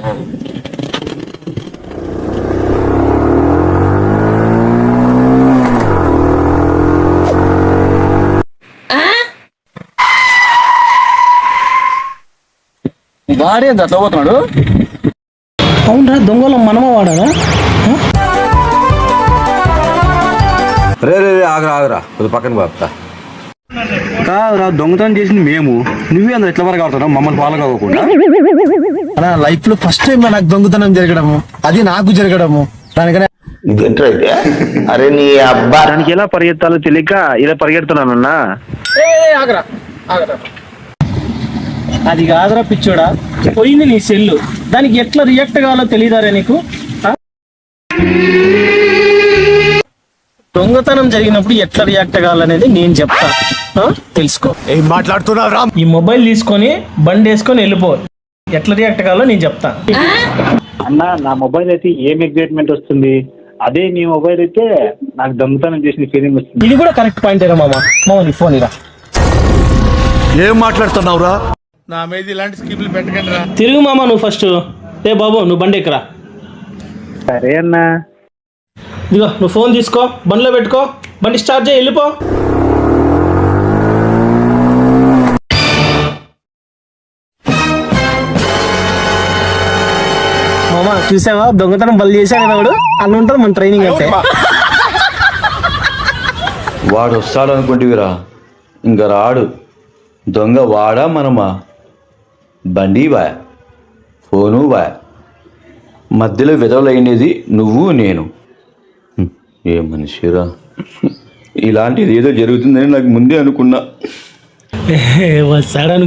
వాడే అట్లా పోతున్నాడు. అవునరా, దొంగలో మనమ వాడారా? రే రే ఆగరా కొద్ది పక్కన బాపుతా. కాదురా, దొంగతనం చేసింది మేము, నువ్వే అందరు ఎట్లా వరకు ఆడుతున్నావు మమ్మల్ని ఫాలో కాకుండా? లైఫ్ లో ఫస్ట్ టైం నాకు దొంగతనం జరగడము, అది నాకు జరగడము. దానికనే అరే నీ అబ్బా, దానికి ఎలా పరిగెత్తాలో తెలియక ఇలా పరిగెడుతున్నానన్నా. ఆగరా. అది కాదురా పిచ్చోడా, పోయింది నీ సెల్లు, దానికి ఎట్లా రియాక్ట్ కావాలో తెలియదారా నీకు? దొంగతనం జరిగినప్పుడు ఎట్లా రియాక్ట్ కావాలనేది నేను చెప్తా, తెలుసుకో. ఏం మాట్లాడుతున్నావురా? ఈ మొబైల్ తీసుకొని బండి వేసుకొని వెళ్ళిపో, ఎట్లా రియాక్ట్ కావాలో నేను చెప్తా. అన్న, నా మొబైల్ అయితే ఏం ఎగ్జైట్మెంట్ వస్తుంది, అదే నీ మొబైల్ అయితే నాకు దొంగతనం చేసిన ఫీలింగ్ వస్తుంది. ఇది కూడా కరెక్ట్ పాయింట్ ఏరా మామ. నీ ఫోన్ ఇరా. ఏం మాట్లాడుతున్నావురా? నా మీద ఇలాంటి స్కీములు పెట్టకండి రా. తిరుగు మామ నువ్వు ఫస్ట్. ఏ బాబు, నువ్వు బండి ఎక్కరా. సరే అన్న. ఇదిగో నువ్వు ఫోన్ తీసుకో, బండిలో పెట్టుకో, బండి స్టార్ట్ చేయి, వెళ్ళిపో. మామ చూసావా, దొంగతనం బలి చేశాడు కదా వాడు. అన్న ఉంటుంది మన ట్రైనింగ్ అంటే. వాడు వస్తాడు అనుకుంటేవిరా, ఇంకా రాడు. దొంగ వాడా మనమా? బండి బాయ్, ఫోను బాయ్, మధ్యలో విధవలైనది నువ్వు నేను. ఏ మనిషిరా, ఇలాంటిది ఏదో జరుగుతుందని నాకు ముందే అనుకున్నా. వస్తాడను